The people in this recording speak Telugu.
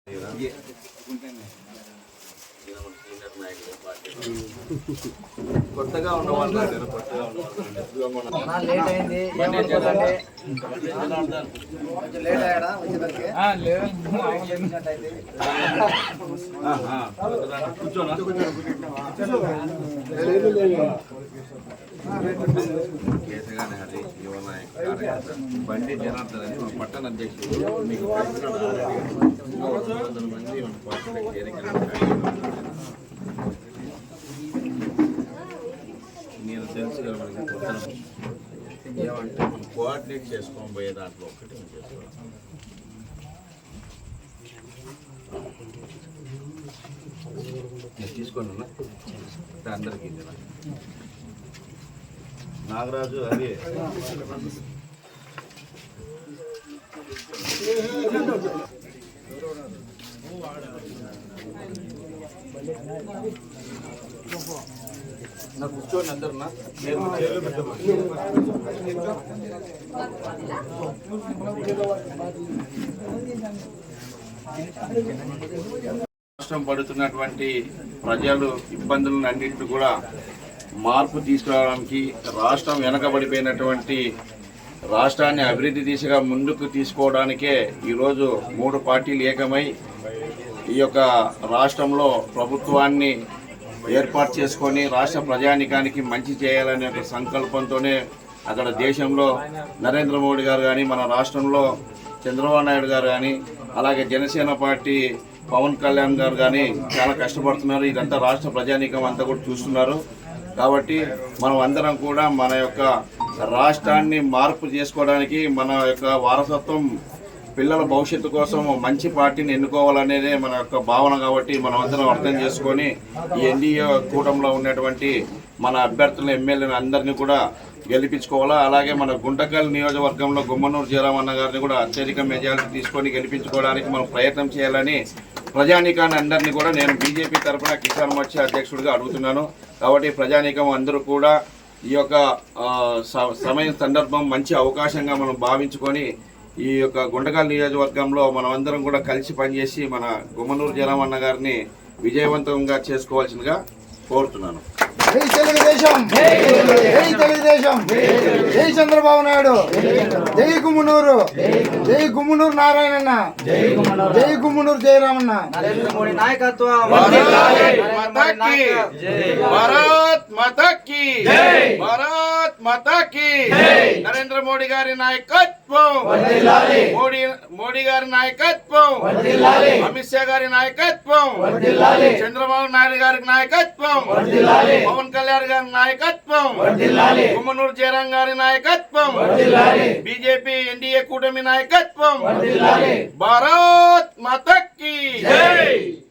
కొత్తగా ఉన్నవాళ్ళు లేట్ అయింది కేసగానే అది యువనాయక బండి జనార్దన్ అని మన పట్టణ అధ్యక్షుడు మీకు మంది మన పార్టీలకు చేరిక నేను తెలుసు కదా మనకి కొత్త ఏమంటే మనం కోఆర్డినేట్ చేసుకొని పోయే దాంట్లో ఒకటి మనం చేసుకోవాలి. నేను తీసుకోండి అన్న అందరికీ నాగరాజు అదే నా కూర్చోండి అందరు రాష్ట్రం పడుతున్నటువంటి ప్రజలు ఇబ్బందులను అన్నింటినీ కూడా మార్పు తీసుకురావడానికి రాష్ట్రం వెనకబడిపోయినటువంటి రాష్ట్రాన్ని అభివృద్ధి దిశగా ముందుకు తీసుకోవడానికే ఈరోజు 3 పార్టీలు ఏకమై ఈ యొక్క రాష్ట్రంలో ప్రభుత్వాన్ని ఏర్పాటు చేసుకొని రాష్ట్ర ప్రజానికానికి మంచి చేయాలనే ఒక సంకల్పంతోనే అక్కడ దేశంలో నరేంద్ర మోడీ గారు కానీ మన రాష్ట్రంలో చంద్రబాబు నాయుడు గారు కానీ అలాగే జనసేన పార్టీ పవన్ కళ్యాణ్ గారు కానీ చాలా కష్టపడుతున్నారు. ఇదంతా రాష్ట్ర ప్రజానీకం అంతా కూడా చూస్తున్నారు. కాబట్టి మనం అందరం కూడా మన యొక్క రాష్ట్రాన్ని మార్పు చేసుకోవడానికి మన యొక్క వారసత్వం పిల్లల భవిష్యత్తు కోసం మంచి పార్టీని ఎన్నుకోవాలనేదే మన యొక్క భావన. కాబట్టి మనం అందరం అర్థం చేసుకొని ఈ ఎన్డీఏ కూటమిలో ఉన్నటువంటి మన అభ్యర్థులను ఎమ్మెల్యేలను అందరినీ కూడా గెలిపించుకోవాలా. అలాగే మన గుంటకల్ నియోజకవర్గంలో గుమ్మనూరు జయరామన్న గారిని కూడా అత్యధిక మెజారిటీ తీసుకొని గెలిపించుకోవడానికి మనం ప్రయత్నం చేయాలని ప్రజానీకాన్ని అందరినీ కూడా నేను బీజేపీ తరఫున కిసాన్ మోర్చా అధ్యక్షుడిగా అడుగుతున్నాను. కాబట్టి ప్రజానీకం అందరూ కూడా ఈ యొక్క సమయం సందర్భం మంచి అవకాశంగా మనం భావించుకొని ఈ యొక్క గుంటకల్ నియోజకవర్గంలో మనం అందరం కూడా కలిసి పనిచేసి మన గుమ్మనూరు జయరామన్న గారిని విజయవంతంగా చేసుకోవాల్సిందిగా కోరుతున్నాను. జై తెలుగుదేశం, జై తెలుగుదేశం, జై చంద్రబాబు నాయుడు, జై గుమ్మనూరు, జై గుమ్మనూరు నారాయణన్న, జై గుమ్మనూరు జయరామన్న. నరేంద్ర మోడీ నాయకత్వం, భారత్ మాతా కీ జై, భారత్ మాతా కీ జై. నరేంద్ర మోడీ గారి నాయకత్వం, మోడీ గారి నాయకత్వం, అమిత్ షా గారి నాయకత్వం, చంద్రబాబు నాయుడు గారి నాయకత్వం, పవన్ కళ్యాణ్ గారి నాయకత్వం, గుమ్మనూరు జయరాం గారి నాయకత్వం, బీజేపీ ఎన్డీఏ కూటమి నాయకత్వం. భారత్ మాతా కీ జై.